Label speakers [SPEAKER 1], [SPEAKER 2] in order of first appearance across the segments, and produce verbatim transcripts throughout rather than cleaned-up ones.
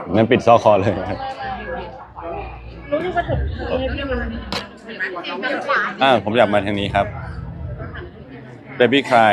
[SPEAKER 1] งั้นปิดซอกคอเลย
[SPEAKER 2] รู้ที่ว่าถึงให้พี่มัน
[SPEAKER 1] อ่าผมอยากมาทางนี้ครับ Baby Cry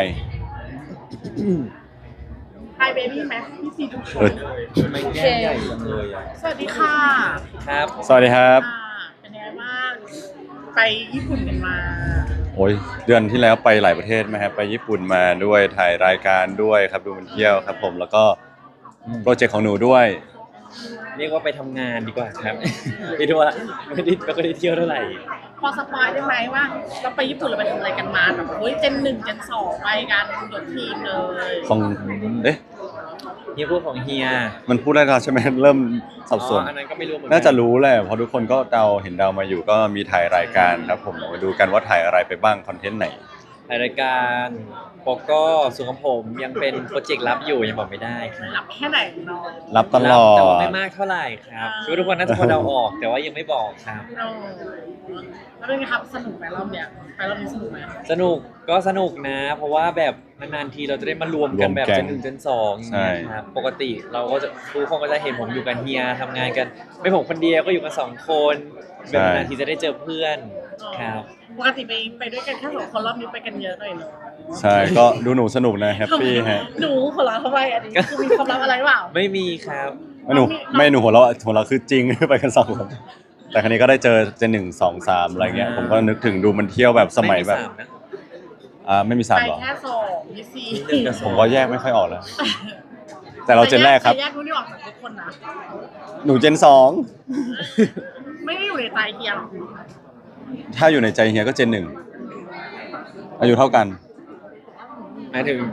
[SPEAKER 2] ไฮเบบี้ไหมพี่ซีทุกค
[SPEAKER 1] เอน อ
[SPEAKER 3] ไม่แก้ใหญ่จังเลยอ่ะ
[SPEAKER 2] สวัสดีค่ะ
[SPEAKER 3] ครับ
[SPEAKER 1] สวัสดีครับ
[SPEAKER 2] อ่าเป็นยังไงบ้างไปญี่ปุ่นกันมา
[SPEAKER 1] โอ้ยเดือนที่แล้วไปหลายประเทศไหมครับไปญี่ปุ่นมาด้วยถ่ายรายการด้วยครับดูมันเที่ยวครับผมแล้วก็โปรเจกต์ของหนูด้วย
[SPEAKER 3] เรียกว่าไปทำงานดีกว่าครับ ไปทัวร์ไม่ได้ไม่ได้เที่ยวเท่าไหร่
[SPEAKER 2] พอสปอยได้ไหมว่าเราไปญี่ปุ่นเราไปทำอะไรกันมาแบบเฮ้ยเจนหนึ่งเจนสองไปกันยกทีมเลย
[SPEAKER 1] ของเอ๊ะ
[SPEAKER 3] เฮียพูดของเฮีย
[SPEAKER 1] มันพูดได้แล้วใช่ไหมเริ่มสับสน
[SPEAKER 3] อ๋ออันนั้นก็ไม่รู้เหมือนกั
[SPEAKER 1] น่าจะรู้แหละเพราะทุกคนก็เดาเห็นเดามาอยู่ก็มีถ่ายรายการครับผมมาดูกันว่าถ่ายอะไรไปบ้างคอนเทนต์ไหน
[SPEAKER 3] ถ่ายรายการปกก็ส่วนของผมยังเป็นโปรเจกต์ลับอยู่ยังบอกไม่ได้ครับ
[SPEAKER 2] รับแค่ไหนเนาะ
[SPEAKER 1] รับตลอ
[SPEAKER 3] แต่ว่า
[SPEAKER 1] ด
[SPEAKER 3] ไม่มากเท่าไหร่ครับคิดว่าทุกคนน่าจะพอเดาออก แต่ว่ายังไม่บอกครับ
[SPEAKER 2] เออแล้วเป็นไงครับสนุกไหมรอบเนี้ยไปรอบนี้สนุกไหม
[SPEAKER 3] สนุกก็สนุกนะ เพราะว่าแบบนานๆทีเราจะได้มารวมกันแบบเจนหนึ่งเจนสองอย่างเงี้ยครับปกติเราก็จะทุกคนก็จะเห็นผมอยู่กับเฮียทำงานกัน ไม่ผมคนเดียวก็อยู่กันสองคนแบบนานๆทีจะได้เจอเพื่อนครับ
[SPEAKER 2] ปกติไปไปด้วยกันแค่สองคนรอบนี้ไปกันเยอะหน่อยเนาะ
[SPEAKER 1] ใช่ก็ดูหนูสนุกนะแฮปปี้ฮะ
[SPEAKER 2] หนูหัวเราะทำไมอันนี้คือมีความลับอะไรหรือเปล่า
[SPEAKER 3] ไม่มีครับ
[SPEAKER 1] ไม่หนูไม่หนูหัวเราะหัวเราะคือจริง ไปกันสองคนแต่ครั้นี้ก็ได้เจอเจนหนึ่งสองสามอะไรเงี้ยผมก็นึกถึงดูมันเที่ยวแบบสมัยแบบ
[SPEAKER 3] ไสานะ
[SPEAKER 1] อ่าไม่มีสาม
[SPEAKER 2] ไป
[SPEAKER 1] หรอ
[SPEAKER 2] แค่สองพี่ซี
[SPEAKER 3] หนึ่งกับส
[SPEAKER 1] ผ
[SPEAKER 3] อง
[SPEAKER 1] มก็แยกไม่ค่อยออกแล้ว แต่เราเจนแรกครับ
[SPEAKER 2] แยกรู้นี่ออกจากทุกคนนะ
[SPEAKER 1] หนูเจนสอง
[SPEAKER 2] ไม่ได้อยู่ในใจเฮียหรอก
[SPEAKER 1] ถ้าอยู่ในใจเฮียก็เจนหนึ่งอายุเท่ากัน
[SPEAKER 3] หมายถึง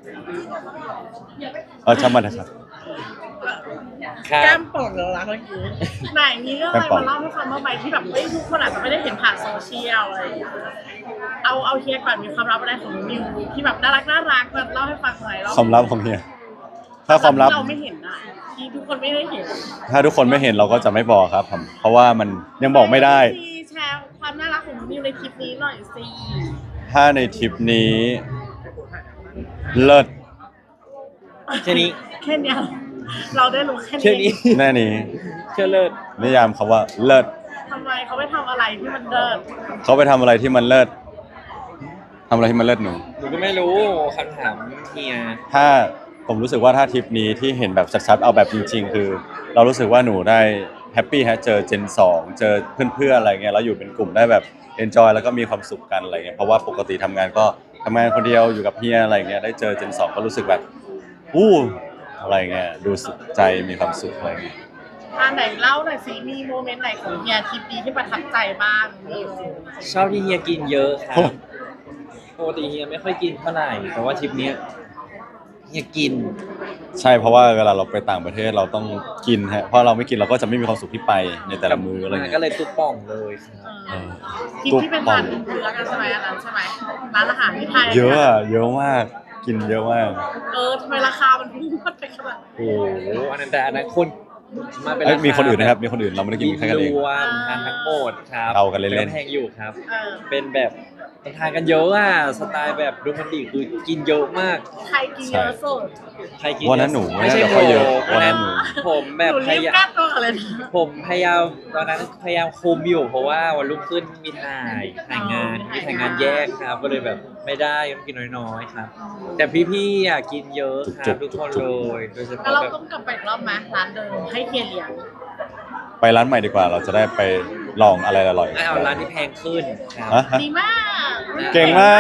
[SPEAKER 1] เออช่างมันนะครับ
[SPEAKER 3] ครั
[SPEAKER 2] แก้
[SPEAKER 3] บ
[SPEAKER 2] มป่องเหรอล่ะเมื่อกี้ไหนมีเรื่องอะไรมาเล่าให้ฟังบ้างไหมที่แบบเอ้ยทุกคนอาจจะไม่ได้เห็นผ่านโซเชียลอะไรอย่างเงี้ยเอาเอาเฮียก่อนมีความลับอะไรของนิวที่แบบน่ารักน่ารักแบบเล่าให้ฟังหน่อยเล่า
[SPEAKER 1] ความลับของเฮียถ้าความลับ
[SPEAKER 2] ที่เราไม่เห็นนะที่ทุกคนไม่ได้เห็น
[SPEAKER 1] ถ้าทุกคนไม่เห็นเราก็จะไม่บอกครับผมเพราะว่ามันยังบอกไม่ได้
[SPEAKER 2] ซีแชร์ความน่ารักของนิวในคลิปนี้หน่อยสิ
[SPEAKER 1] ถ้าในทริปนี้ เลิศ
[SPEAKER 3] แค่นี้
[SPEAKER 2] แค่เนี้ยเราได้รู้แค่
[SPEAKER 3] แค่นี้
[SPEAKER 2] นี้
[SPEAKER 1] แน่นี้
[SPEAKER 3] เชื่อเลิศ
[SPEAKER 1] นิยามคำว่าเลิศ
[SPEAKER 2] ทำไมเขาไปทำอะไรที่มันเดิน
[SPEAKER 1] เขาไปทำอะไรที่มันเลิศทำอะไรที่มันเลิศหนู
[SPEAKER 3] หนูก็ไม่รู้คำถามเฮีย
[SPEAKER 1] ถ้าผมรู้สึกว่าถ้าทริปนี้ที่เห็นแบบชัดๆเอาแบบจริง ๆ คือ เรารู้สึกว่าหนูได้แฮปปี้ฮะเจอเจนสองเจอเพื่อนๆอะไรเงี้ยแล้วอยู่เป็นกลุ่มได้แบบเอนจอยแล้วก็มีความสุขกันอะไรเงี้ยเพราะว่าปกติทำงานก็ทำงานคนเดียวอยู่กับเฮียอะไรเงี้ยได้เจอเจนสองก็รู้สึกแบบอู้อะไรเงี้ยดูสุขใจมีความสุขอะไรเงี้ย
[SPEAKER 2] อ่าไหนเล่าหน่อยสิมีโมเมนต์ไหนของเฮียคลิปนี้ที่ประทับใจบ้างนิว
[SPEAKER 3] ชอบที่เฮียกินเยอะครับปกติเฮียไม่ค่อยกินเท่าไหร่แต่ว่าทริปเนี้ยเฮียกิน
[SPEAKER 1] ใช่เพราะว่าเวลาเราไปต่างประเทศเราต้องกินฮะเพราะเราไม่กินเราก็จะไม่มีความสุขที่ไปในแต่ละมื้ออะไรเงี้
[SPEAKER 3] ก็
[SPEAKER 1] ย
[SPEAKER 3] เลยตุ๊บป่องเลยครับ
[SPEAKER 2] เออคลิปที่เป็นร้านเนื้อกันใช่ไหมอันนั้นใช่ไหมร้านอาหารที่ไทย
[SPEAKER 1] เยอะอะเยอะมากกินเยอะมาก
[SPEAKER 2] เออทำไมราคามันพุ่งขึ้นไปขนาดนั้น
[SPEAKER 3] โอ้โหอันนั้นแต่อันนั้นคนมาเป็น
[SPEAKER 1] เอ้ย
[SPEAKER 3] รา
[SPEAKER 1] มี
[SPEAKER 3] มี
[SPEAKER 1] คนอื่นนะครับมีคนอื่นเราไม่ได้กินแค่กันเอง
[SPEAKER 3] รวมทานทั้งหมดครับ
[SPEAKER 1] เอากันเล่นๆ
[SPEAKER 3] แต่แพงอยู่ครับ
[SPEAKER 2] เออ
[SPEAKER 3] เป็นแบบทานกันเยอะอ่ะสไตล์แบบดูมันดีคือกินเยอะมาก
[SPEAKER 2] ใครกินเยอะสุด
[SPEAKER 3] ใครกิน
[SPEAKER 1] วันนั้นหนู
[SPEAKER 3] ไม่ใช่
[SPEAKER 1] น่าจะ
[SPEAKER 3] ผ
[SPEAKER 1] ค่อย
[SPEAKER 3] ม
[SPEAKER 1] เยอะ
[SPEAKER 3] วันนั้น
[SPEAKER 1] วันนั้นหนู
[SPEAKER 3] ผมแบบ
[SPEAKER 2] หนู
[SPEAKER 3] พ
[SPEAKER 2] รีบ
[SPEAKER 3] ยายาม
[SPEAKER 2] กล้าตัวกันเลยนะ
[SPEAKER 3] ผมพยายามตอนนั้นพยายามคุมอยู่ เพราะว่าวันรุ่งขึ้นมีถ่ายถ่ายงานมีถ่ายงานแยกครับ ก็เลยแบบไม่ได้ต้องกินน้อยๆครับ แต่พี่ๆอ่ะกินเยอะครับทุกคนเลยโดยเฉ
[SPEAKER 2] แล้ว
[SPEAKER 3] พาะ
[SPEAKER 2] เรา
[SPEAKER 3] แบบ
[SPEAKER 2] ต้องกลับไปอีกรอบไหมร้านเดิมให้เฮียเลี้ยง
[SPEAKER 1] ไปร้านใหม่ดีกว่าเราจะได้ไปลองอะไรอร่อย
[SPEAKER 3] ไม่เอาร้านที่แพงขึ้นครับ
[SPEAKER 1] ฮะฮะ
[SPEAKER 2] ดีมาก
[SPEAKER 1] เก่งมาก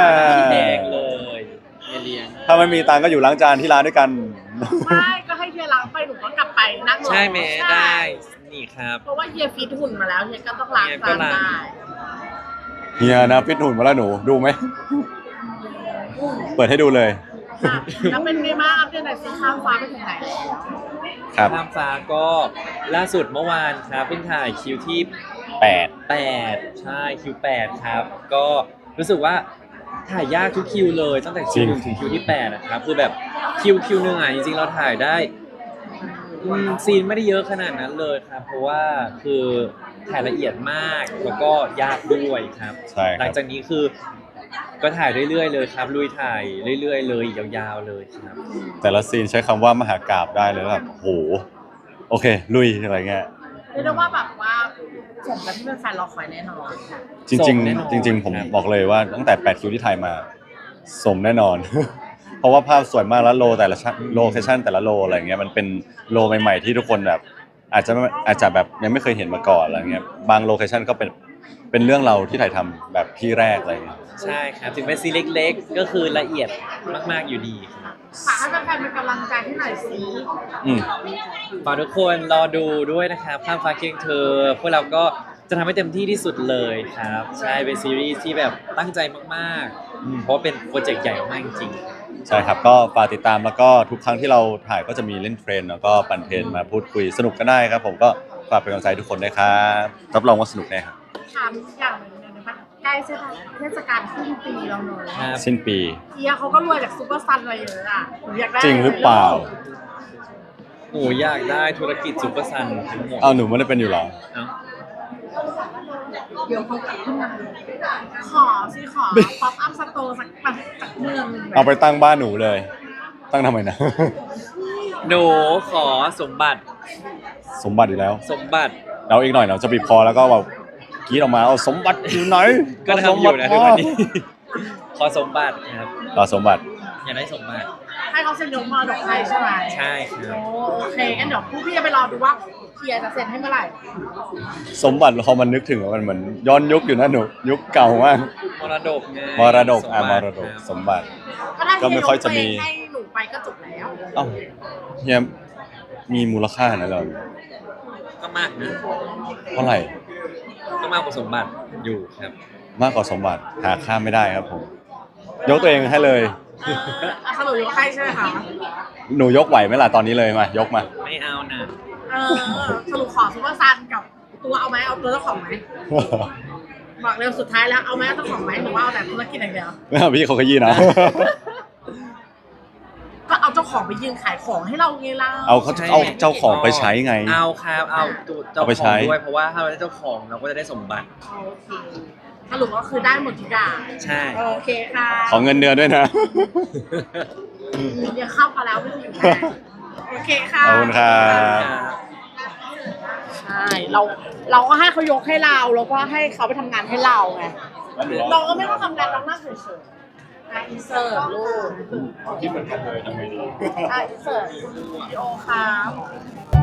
[SPEAKER 3] ที่แพงเลยไม่เลี้ยง
[SPEAKER 1] ถ้าไม่มีตังค์ก็อยู่ล้างจานที่ร้านด้วยกัน
[SPEAKER 2] ไม่ก็ให้เฮียล้างไปหนูก็กลับไปนั่งรอ
[SPEAKER 3] ใช่ไหม
[SPEAKER 2] ใช่
[SPEAKER 3] ได้นี่ครับ
[SPEAKER 2] เพราะว่าเฮียฟีดหุ่นมาแล้วเฮียก็ต้องล้าง
[SPEAKER 3] เฮียก็
[SPEAKER 2] จาน
[SPEAKER 3] ล้าง
[SPEAKER 2] ได้
[SPEAKER 1] เฮียนะฟิตหุ่นมาแล้วหนูดูไหมเปิดให้ดูเลย
[SPEAKER 2] ค่ะแล้วเป็นไงบ้างอัปเดตหน่อยสิข้ามฟ้าไปถึงไหนแล้ว
[SPEAKER 1] ครับ
[SPEAKER 3] ข้ามฟ้าก็ล่าสุดเมื่อวานครับเพิ่งถ่ายคิวที่
[SPEAKER 1] แปด
[SPEAKER 3] แปดใช่คิวแปดครับ ก็รู้สึกว่าถ่ายยากทุกคิวเลยตั้งแต่คิวหนึ่งถึงคิวที่แปดนะครับคือแบบคิวคิวหนึ่งอ่ะจริงๆเราถ่ายได้อืมซีนไม่ได้เยอะขนาดนั้นเลยครับ เพราะว่าคือถ่ายละเอียดมากแล้วก็ยากด้วยครับ
[SPEAKER 1] ใช่ค
[SPEAKER 3] หลั
[SPEAKER 1] รั
[SPEAKER 3] ง
[SPEAKER 1] บ
[SPEAKER 3] จากนี้คือก็ถ่ายเรื่อยๆเลยครับลุยถ่ายเรื่อยๆเลยยาวๆเลยครับ
[SPEAKER 1] แต่ละซีนใช้คำว่ามหากาพย์ได้เลยแบบโหโอเค ลุยอะไรเงี้ย
[SPEAKER 2] เรียกได้ว่าแบบว่าสมกับที่เป็นแฟนรอคอยแน่นอน
[SPEAKER 1] จริงๆจริง ๆ ผมบอกเลยว่าตั้งแต่แปดคิวที่ไทยมาสมแน่นอน เพราะว่าภาพสวยมากแล้วโลแต่ละชั้นโลเคชั่นแต่ละโลอะไรเงี้ยมันเป็นโลใหม่ๆที่ทุกคนแบบอาจจะอาจจะแบบยังไม่เคยเห็นมาก่อนอะไรเงี้ยบางโลเคชั่นก็เป็นเป็นเรื่องเราที่ถ่ายทำแบบที่แรกอะไรเงี้ย
[SPEAKER 3] ใช่ครับถึงเป็นซีนเล็กๆก็คือละเอียดมากๆอยู่ดีครับ
[SPEAKER 2] ฝากให้แฟนๆเป็นกำลังใจให้หน่อยสิ
[SPEAKER 1] อืม
[SPEAKER 3] ฝากทุกคนรอดูด้วยนะครับข้ามฟ้าเคียงเธอพวกเราก็จะทำให้เต็มที่ที่สุดเลยครับใช่เป็นซีรีส์ที่แบบตั้งใจมากๆอืมเพราะว่าเป็นโปรเจกต์ใหญ่มากจริง
[SPEAKER 1] ใช่ครับก็ฝากติดตามแล้วก็ทุกครั้งที่เราถ่ายก็จะมีเล่นเทรนแล้วก็ปั่นเทรนมาพูดคุยสนุกกันได้ครับผมก็ฝากเป็นกำลังใจทุกคนด้วยครับรับรองว่าสนุกแน่ครับ
[SPEAKER 2] ถามอีกอย่างหนึ่งเนี่ยนะคะใกล้เทศกาลขึ้นปีแล้วเนอะ
[SPEAKER 3] ครับ
[SPEAKER 1] สิ้นปี
[SPEAKER 2] เอียเขาก็รวยจากซูเปอร์ซันอะไรเยอะอ่ะหนูอยากได้
[SPEAKER 1] จริงหรือเปล่า
[SPEAKER 3] โอ้อยากได้ธุรกิจซูเปอร์ซันทั้งหมด
[SPEAKER 1] เอาหนูไม่ได้เป็นอยู่เหรอ
[SPEAKER 3] เอ้า
[SPEAKER 2] เดี๋ยวเขากลับขึ้นมาขอสิขอป๊อปอัพสโตร์สักแบบสักเมืองหนึ่งแบบ
[SPEAKER 1] เอาไปตั้งบ้านหนูเลย ตั้งทำไมนะ
[SPEAKER 3] หนูขอสมบัติ
[SPEAKER 1] สมบัติอีกแล้ว
[SPEAKER 3] สมบัติ
[SPEAKER 1] เราอีกหน่อยเราจะบีบคอแล้วก็แบบกรีดออกมาเอาสมบัติอยู่ไหน
[SPEAKER 3] ก็ทำอยู่นะทุกวันนี้ ขอสมบัติครับ
[SPEAKER 1] เราสมบัติ
[SPEAKER 3] อยากได้สมบัติ
[SPEAKER 2] ให้เขาเซ็นยกมรดกให้ใช่ไหม
[SPEAKER 3] ใช่ครับ
[SPEAKER 2] โอ้โอเคงั้นเดี๋ยวพวกพี่จะไปรอดูว่าเฮียจะเซ็นให้เมื่อไหร่
[SPEAKER 1] สมบัติพอมันนึกถึงมันเหมือนย้อนยุคอยู่นะหนูยุคเก่ามาก
[SPEAKER 3] มรดกไง
[SPEAKER 1] มรดกอ่ะ
[SPEAKER 3] ส
[SPEAKER 1] ม
[SPEAKER 3] บั
[SPEAKER 1] ร
[SPEAKER 3] ติ
[SPEAKER 1] ดก
[SPEAKER 3] ครับ
[SPEAKER 1] สมบัติ
[SPEAKER 2] ก็ถ้า
[SPEAKER 1] ก็ไม่ค่อยจะมี
[SPEAKER 2] เฮียยกตัวเงให้หนูไปก็จบแล้ว
[SPEAKER 1] เอ้าเฮียมีมูลค่าขนาดนั้นเหรอ
[SPEAKER 3] ก็มากนะ
[SPEAKER 1] เท่าไหร่
[SPEAKER 3] ก็มากกว่าสมบัติอยู่ครับ
[SPEAKER 1] มากกว่าสมบัติหาค่าไม่ได้ครับผม ยกตัวเองให้เลย
[SPEAKER 2] เอออ่ะสรุปยกให้ใช่ไหมคะ
[SPEAKER 1] หนูยกไหวไหมล่ะตอนนี้เลยมายกมา
[SPEAKER 3] ไม่เอานะ
[SPEAKER 2] เออสรุปขอซูเปอร์ซันกับตัวเอาไหมเอาตัวเจ้าของไหมบอกเร็วสุดท้ายแล้วเอาไหมเอาเจ้าของไหมหรือว่าเอาแต่ธุรกิจอย่างเดียว
[SPEAKER 1] พี่เขาขยี้นะ
[SPEAKER 2] ก็เอาเจ้าของไปยืนขายของให้เราไงล่ะ
[SPEAKER 1] เอาเขาเอาเจ้าของไปใช้ไง
[SPEAKER 3] เอาครับเอาตัวเจ้า
[SPEAKER 1] เอาไป
[SPEAKER 3] ข
[SPEAKER 1] ใช้
[SPEAKER 3] องด้วยเพราะว่าถ้าเราได้เจ้าของเราก็จะได้สมบัติ
[SPEAKER 2] โอเคสรุปก็คือได้หมดทุกอย่าง
[SPEAKER 3] ใช่
[SPEAKER 2] โอเคค่ะ
[SPEAKER 1] ขอเงินเดือนด้วยนะ
[SPEAKER 2] เดี๋ยวเข้ามาแล้วไม่ถึงนะโอเคค่ะ
[SPEAKER 1] ขอบคุณครับ
[SPEAKER 2] ใช่เราเราก็ให้เขายกให้เราแล้วก็ให้เขาไปทำงานให้เราไงเราก็ไม่ต้องทำงานเราหน้าเฉยๆอ่ะอินเสิร์ตลูก
[SPEAKER 1] คิดเหมือนกันเลยทำไงดี
[SPEAKER 2] อ่ะอินเสิร์ตวิดีโอครับ